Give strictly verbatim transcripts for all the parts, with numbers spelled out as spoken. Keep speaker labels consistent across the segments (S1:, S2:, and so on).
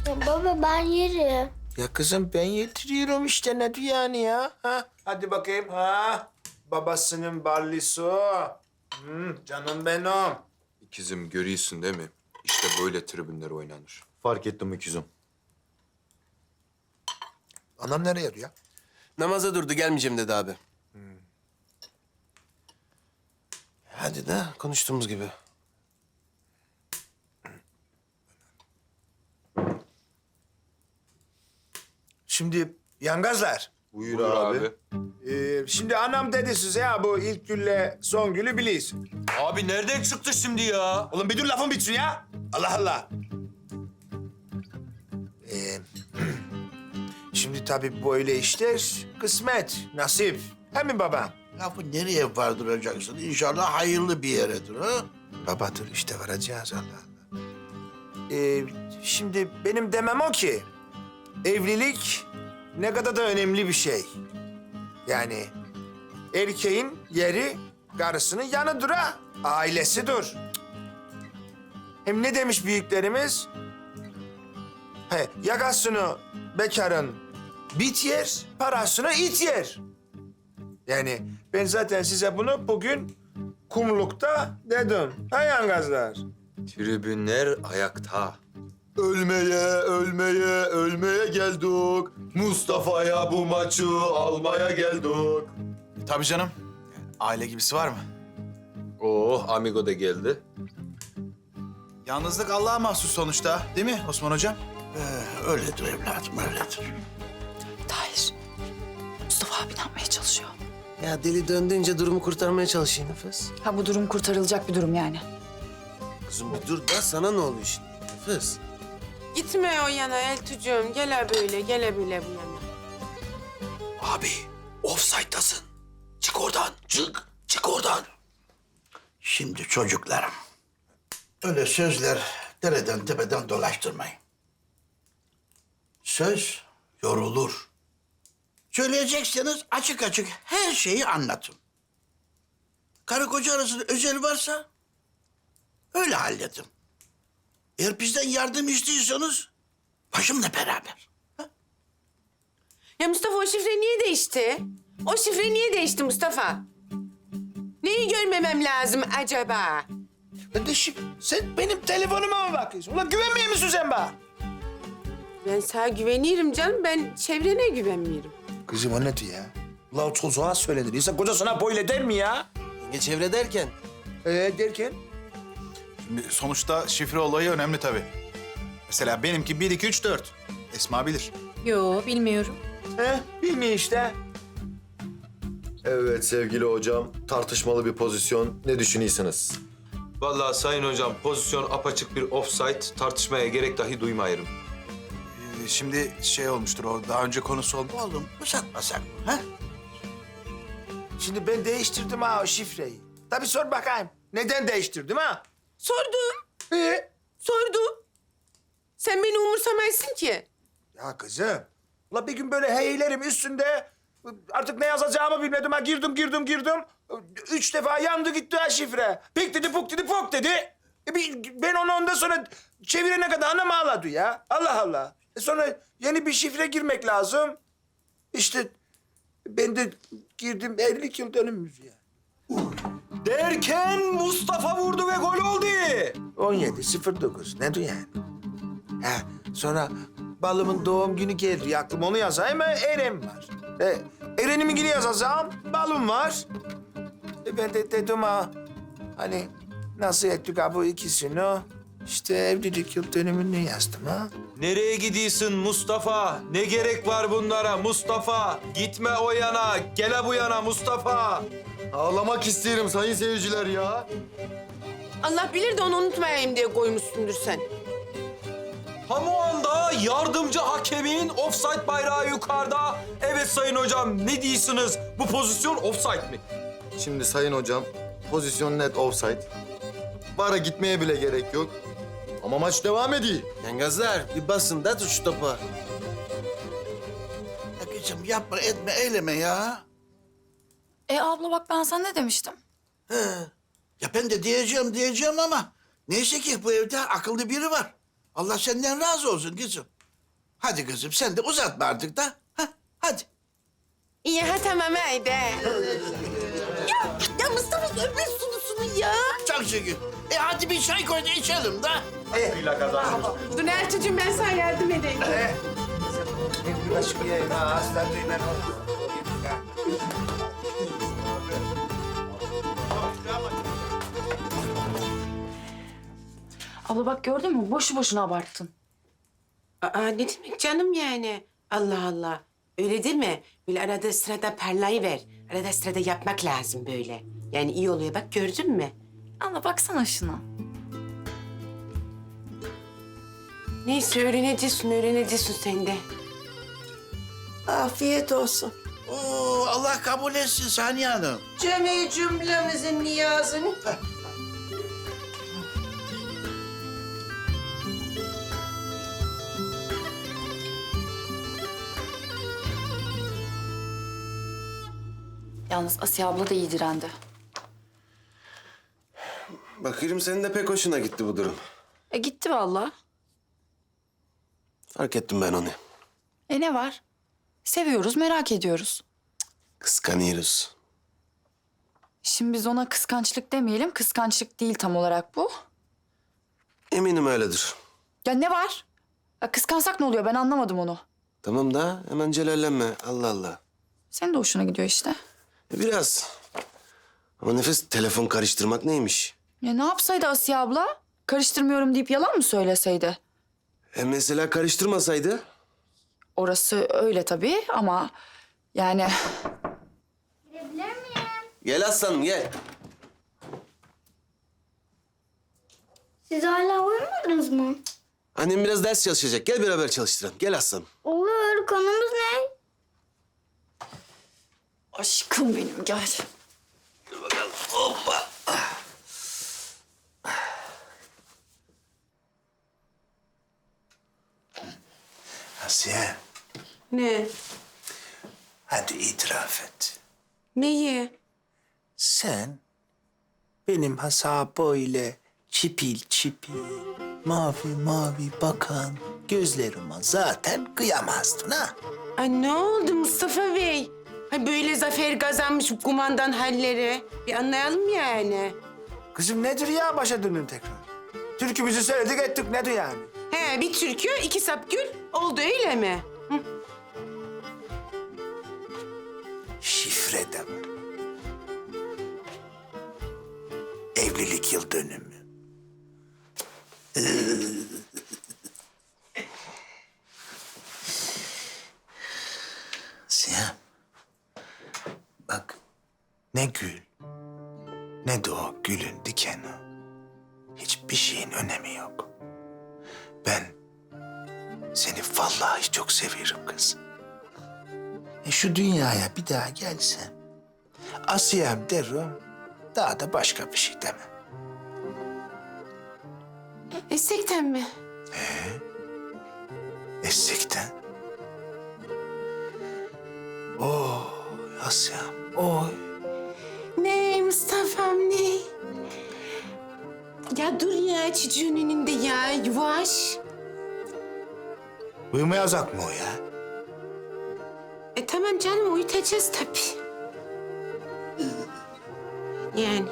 S1: Ya baba ben yerim.
S2: Ya kızım ben yediriyorum işte ne diyor yani ya? Ha? Hadi bakayım ha. Babasının barlisu. Hmm, canım benim.
S3: İkizim görüyorsun değil mi? İşte böyle tribünler oynanır.
S4: Fark ettim ikizim.
S2: Anam nereye yarıyor?
S5: Namaza durdu, gelmeyeceğim dedi abi.
S2: Hmm.
S5: Hadi de konuştuğumuz gibi.
S2: Şimdi yangazlar.
S4: Buyur,
S3: Buyur
S4: abi.
S3: abi.
S2: Ee, şimdi anam dedi size ya bu ilk gülle son gülü biliyorsun.
S3: Abi nereden çıktı şimdi ya?
S2: Oğlum bir dur lafın bitsin ya. Allah Allah. Ee, şimdi tabii böyle işler kısmet, nasip. He mi baba?
S6: Lafı nereye vardıracaksın? İnşallah hayırlı bir yeredir ha?
S2: Baba dur işte varacağız Allah Allah. Ee, şimdi benim demem o ki... evlilik ne kadar da önemli bir şey. Yani erkeğin yeri karısının yanıdır ha. Ailesidir. Hem ne demiş büyüklerimiz? He, yakasını bekarın bit yer, parasını it yer. Yani ben zaten size bunu bugün kumlukta dedim. Ha yangazlar?
S3: Tribünler ayakta.
S4: Ölmeye, ölmeye, ölmeye geldik. Mustafa'ya bu maçı almaya geldik.
S7: Tabii canım. Aile gibisi var mı?
S3: Oh, amigo da geldi.
S7: Yalnızlık Allah'a mahsus sonuçta, değil mi Osman Hocam?
S6: Ee, öyledir evladım, öyledir.
S8: Tahir, Mustafa abi ne yapmaya çalışıyor?
S5: Ya deli döndüğünce durumu kurtarmaya çalışıyor Nefes.
S8: Ha bu durum kurtarılacak bir durum yani.
S5: Kızım bir dur da sana ne oluyor şimdi Nefes?
S9: Gitme o yana Eltucuğum. Gele böyle, gele böyle bu yana.
S6: Abi, offside'dasın. Çık oradan, çık, çık oradan. Şimdi çocuklarım, öyle sözler dereden tepeden dolaştırmayın. Söz yorulur. Söyleyecekseniz açık açık her şeyi anlatın. Karı koca arasında özel varsa öyle halledin. Eğer bizden yardım istiyorsanız başımla beraber.
S9: Ya Mustafa o şifre niye değişti? O şifre niye değişti Mustafa? Neyi görmemem lazım acaba?
S2: Kardeşim sen benim telefonuma mı bakıyorsun? Ulan güvenmiyor musun sen bana?
S9: Ben sana güvenirim canım. Ben çevrene güvenmiyorum.
S2: Kızım o ne diyor ya? Ulan o çocuğa söylenir. İnsan kocasına böyle der mi ya?
S5: Yenge çevre derken
S2: Ee derken?
S7: Şimdi sonuçta şifre olayı önemli tabii. Mesela benimki bir, iki, üç, dört. Esma bilir.
S8: Yo bilmiyorum.
S2: He bilmiyor işte.
S4: Evet sevgili hocam, tartışmalı bir pozisyon. Ne düşünüyorsunuz?
S3: Vallahi sayın hocam pozisyon apaçık bir offside, tartışmaya gerek dahi duymayırım.
S7: Ee, şimdi şey olmuştur, o daha önce konusu oldu.
S6: Oğlum uzatmasak mı? Ha?
S2: Şimdi ben değiştirdim ha o şifreyi. Tabii sor bakayım. Neden değiştirdim ha?
S9: Sordum,
S2: Ee?
S9: sordum. Sen beni umursamazsın ki.
S2: Ya kızım. Ulan bir gün böyle heyelerim üstünde artık ne yazacağımı bilmedim ha. Girdim, girdim, girdim. Üç defa yandı gitti ha şifre. Pik dedi, puk dedi, pok dedi. E bir- ben onu ondan sonra çevirene kadar anam ağladı ya. Allah Allah. E sonra yeni bir şifre girmek lazım. İşte ben de girdim elli yıl dönümümüz ya.
S4: Derken Mustafa vurdu ve gol oldu.
S2: on yedi sıfır dokuz. Ne diyor yani? Ha, sonra balımın doğum günü geldi. Aklıma onu yazayım ama Eren var. E, Eren'imin günü yazacağım. Balım var. E, ben de dedim ha. Hani nasıl ettik ha bu ikisini? İşte evlilik yıl dönümünü yazdım ha.
S3: Nereye gidiyorsun Mustafa? Ne gerek var bunlara Mustafa? Gitme o yana, gele bu yana Mustafa.
S4: Ağlamak isterim sayın seyirciler ya.
S9: Allah bilir de onu unutmayayım diye koymuşsundur sen.
S3: Tam o anda yardımcı hakemin offside bayrağı yukarıda. Evet sayın hocam ne diyorsunuz? Bu pozisyon offside mi?
S4: Şimdi sayın hocam, pozisyon net offside. Vara gitmeye bile gerek yok. Ama maç devam ediyor.
S5: yengazlar bir basın da tut şu topa.
S6: Ya kızım yapma, etme, eyleme ya.
S8: E abla bak ben sana ne demiştim?
S6: He. Ya ben de diyeceğim diyeceğim ama neyse ki bu evde akıllı biri var. Allah senden razı olsun kızım. Hadi kızım sen de uzatma artık da. Ha, hadi.
S9: İyi ha tamam haydi. ya, ya Mustafa öpme sunusunu ya.
S6: Çok şükür. E hadi bir çay koy da içelim de.
S9: Dur Ertuğ'cum ben sana yardım edeyim.
S8: Abla bak gördün mü? Boşu boşuna abarttın.
S9: Aa, ne demek canım yani? Allah Allah. Öyle değil mi? Böyle arada sırada parlayıver. Arada sırada yapmak lazım böyle. Yani iyi oluyor bak gördün mü?
S8: Abla baksana şuna.
S9: Neyse öğreneceksin, öğreneceksin sen de.
S6: Afiyet olsun. Oo, Allah kabul etsin Saniye Hanım.
S9: Cemi cümlemizin niyazını.
S8: Yalnız Asiye abla da iyi direndi.
S5: Bakıyorum senin de pek hoşuna gitti bu durum.
S8: E gitti vallahi.
S5: Fark ettim ben onu.
S8: E ne var? Seviyoruz, merak ediyoruz.
S5: Kıskanıyoruz.
S8: Şimdi biz ona kıskançlık demeyelim. Kıskançlık değil tam olarak bu.
S5: Eminim öyledir.
S8: Ya ne var? Ya kıskansak ne oluyor? Ben anlamadım onu.
S5: Tamam da hemen celallenme. Allah Allah.
S8: Senin de hoşuna gidiyor işte.
S5: E, biraz. Ama nefes telefon karıştırmak neymiş?
S8: Ya ne yapsaydı Asiye abla? Karıştırmıyorum deyip yalan mı söyleseydi?
S5: E mesela karıştırmasaydı?
S8: Orası öyle tabii ama yani...
S1: Girebilir miyim?
S5: Gel aslanım gel.
S1: Siz hala uyumadınız mı?
S5: Annem biraz ders çalışacak. Gel beraber çalıştıralım. Gel aslanım.
S1: Olur. Konumuz ne?
S8: Aşkım benim gel.
S2: Asiye,
S9: Ne?
S2: hadi itiraf et.
S9: Neyi?
S2: Sen benim hasa böyle çipil çipil, mavi mavi bakan gözlerime zaten kıyamazdın ha.
S9: Ay ne oldu Mustafa Bey? Ay böyle zafer kazanmış kumandan halleri. Bir anlayalım yani.
S2: Kızım nedir ya başa dönün tekrar? Türkümüzü söyledik ettik nedir yani?
S9: He bir türkü, iki sap gül. Oldu öyle mi? Hı.
S2: Şifre de mi? Evlilik yıl dönümü. Siyah. Bak ne gül ne de o gülün dikeni. Hiçbir şeyin önemi yok. Ben seni vallahi çok seviyorum kız. E şu dünyaya bir daha gelsem Asiyem derim, daha da başka bir şey demem.
S9: Esekten mi?
S2: Essekten. Oh Asiyem, oy.
S9: Ne Mustafa'm ne? Ya dur ya çocuğun önünde ya yavaş.
S2: Uyumayacak mı o ya?
S9: E tamam canım uyutacağız tabii. Yani.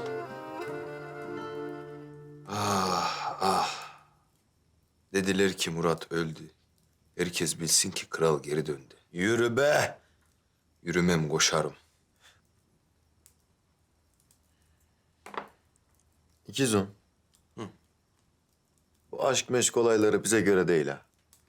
S3: Ah ah. Dediler ki Murat öldü. Herkes bilsin ki kral geri döndü. Yürü be. Yürümem koşarım.
S4: İkizum. Bu aşk meşk olayları bize göre değil ha.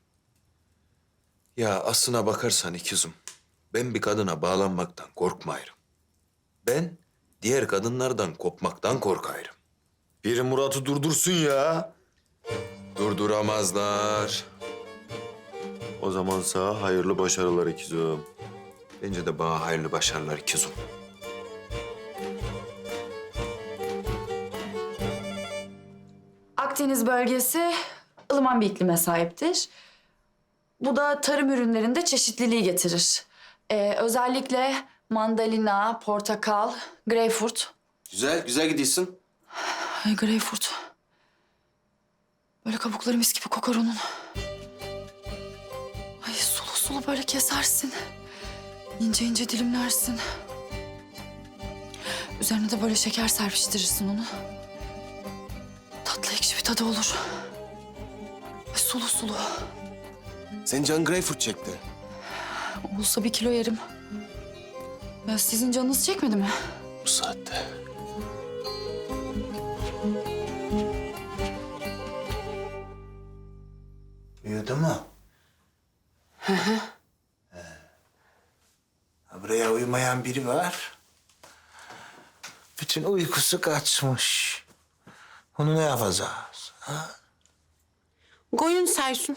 S3: Ya aslına bakarsan ikizim, ben bir kadına bağlanmaktan korkmayırım. Ben diğer kadınlardan kopmaktan korkayırım.
S4: Biri Murat'ı durdursun ya.
S3: Durduramazlar.
S4: O zaman sana hayırlı başarılar ikizum.
S3: Bence de bana hayırlı başarılar ikizim.
S8: Akdeniz bölgesi ılıman bir iklime sahiptir. Bu da tarım ürünlerinde çeşitliliği getirir. Ee, özellikle mandalina, portakal, greyfurt.
S5: Güzel, güzel gidiyorsun.
S8: Ay greyfurt. Böyle kabukları mis gibi kokar onun. sulu böyle kesersin. İnce ince dilimlersin. Üzerine de böyle şeker serpiştirirsin onu. Tatlı ekşi bir tadı olur. Ve sulu sulu.
S5: Senin can greyfurt çekti.
S8: Olsa bir kilo yerim. Ya sizin canınız çekmedi mi?
S5: Bu saatte.
S2: Uyudu mu? Hı hı. Buraya uyumayan biri var. Bütün uykusu kaçmış. Onu ne yapacağız? Ha?
S9: Koyun saysun.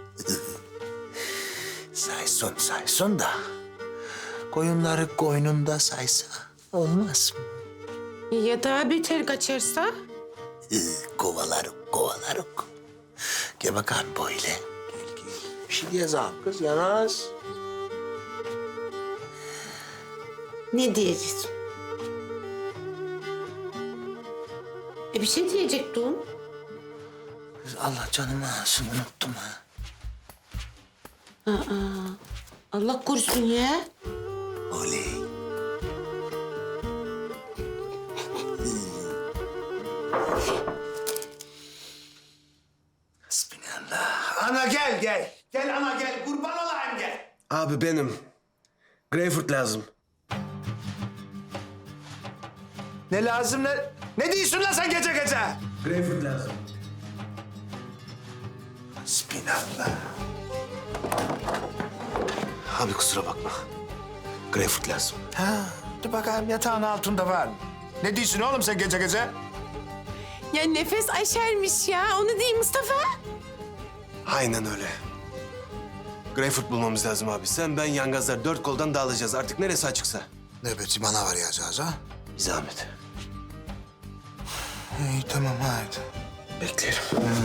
S2: Saysun saysun da. Koyunları koynunda saysa olmaz mı?
S9: Ya daha beter kaçarsa?
S2: Hı, kovalarık kovalarık. Gel bakalım böyle. Gel gel. Bir şey diyeceğim kız yanaz.
S9: Ne diyeceğiz? E bir şey diyecektim.
S2: Kız Allah canımı alsın unuttum ha.
S9: Allah korusun ya.
S2: Oley. Hasbinallah. Ana gel gel. Gel ana gel. Kurban olayım gel.
S5: Abi benim. Greyfurt lazım.
S2: Ne lazım ne? Ne diyorsun lan sen gece gece?
S5: Greyfurt lazım.
S2: Hasbinallah.
S5: Abi kusura bakma. Greyfurt lazım.
S2: Ha, dur bakalım yatağın altında var mı? Ne diyorsun oğlum sen gece gece?
S9: Ya nefes aşermiş ya. Onu değil Mustafa.
S5: Aynen öyle. Greyfurt bulmamız lazım abi. Sen, ben, yangazlar dört koldan dağılacağız. Artık neresi açıksa.
S2: Nöbeti bana var yazacağız ha?
S5: Bir zahmet.
S2: İyi tamam haydi.
S5: Beklerim.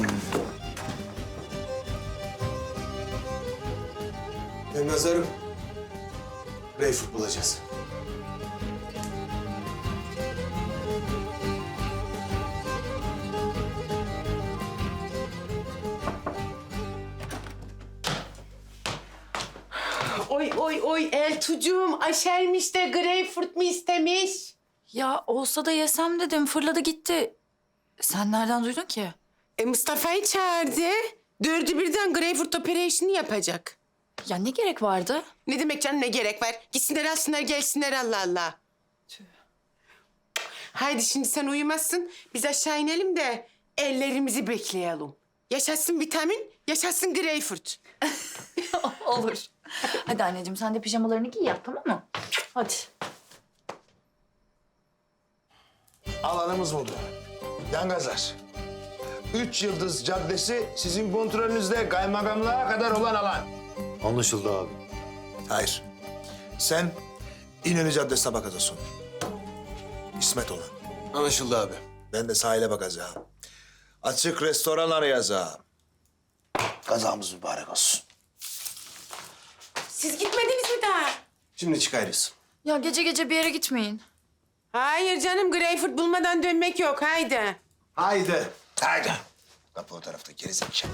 S5: Yangazlarım. Greyfurt bulacağız.
S9: Oy oy oy Eltucuğum aşermiş de greyfurt mu istemiş?
S8: Ya olsa da yesem dedim. Fırladı gitti. Sen nereden duydun ki?
S9: E Mustafa'yı çağırdı. Dördü birden greyfurt operasyonu yapacak.
S8: Ya ne gerek vardı?
S9: Ne demek canım ne gerek var? Gitsinler alsınlar gelsinler Allah Allah. Haydi şimdi sen uyumazsın. Biz aşağı inelim de ellerimizi bekleyelim. Yaşasın vitamin, yaşasın greyfurt.
S8: Olur. Hadi anneciğim sen de pijamalarını giy yap tamam mı? Hadi.
S2: Alanımız burada. Yangazlar. Üç Yıldız Caddesi sizin kontrolünüzde kaymakamlığa kadar olan alan.
S4: Anlaşıldı abi.
S2: Hayır. Sen İnönü Caddesi'ne bakacaksın. İsmet olan.
S5: Anlaşıldı abi.
S2: Ben de sahile bakacağım. Açık restoran arayacağım. Kazamız mübarek olsun.
S9: Siz gitmediniz mi daha?
S5: Şimdi çıkarız.
S8: Ya gece gece bir yere gitmeyin.
S9: Hayır canım greyfurt bulmadan dönmek yok haydi.
S2: Haydi. Haydi. Kapı o tarafta gerizekalı.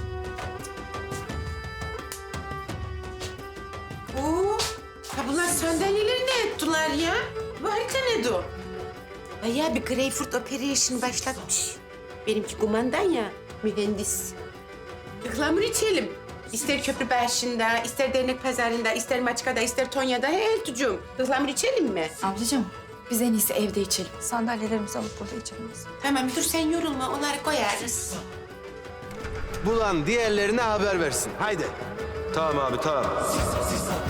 S9: Oo, ha bunlar sandalyeleri ne ettiler ya? Bu harita ne o? Bayağı bir greyfurt operation başlatmış. Benimki kumandan ya, mühendis. Ihlamur içelim. İster köprü başında, ister dernek pazarında, ister Maçka'da, ister Tonya'da. He Eltucuğum, ıhlamur içelim mi?
S8: Ablacığım biz en iyisi evde içelim. Sandalyelerimizi alıp burada içelim biz.
S9: Tamam dur sen yorulma, onları koyarız.
S5: Bulan diğerlerine haber versin. Haydi. Tamam abi tamam.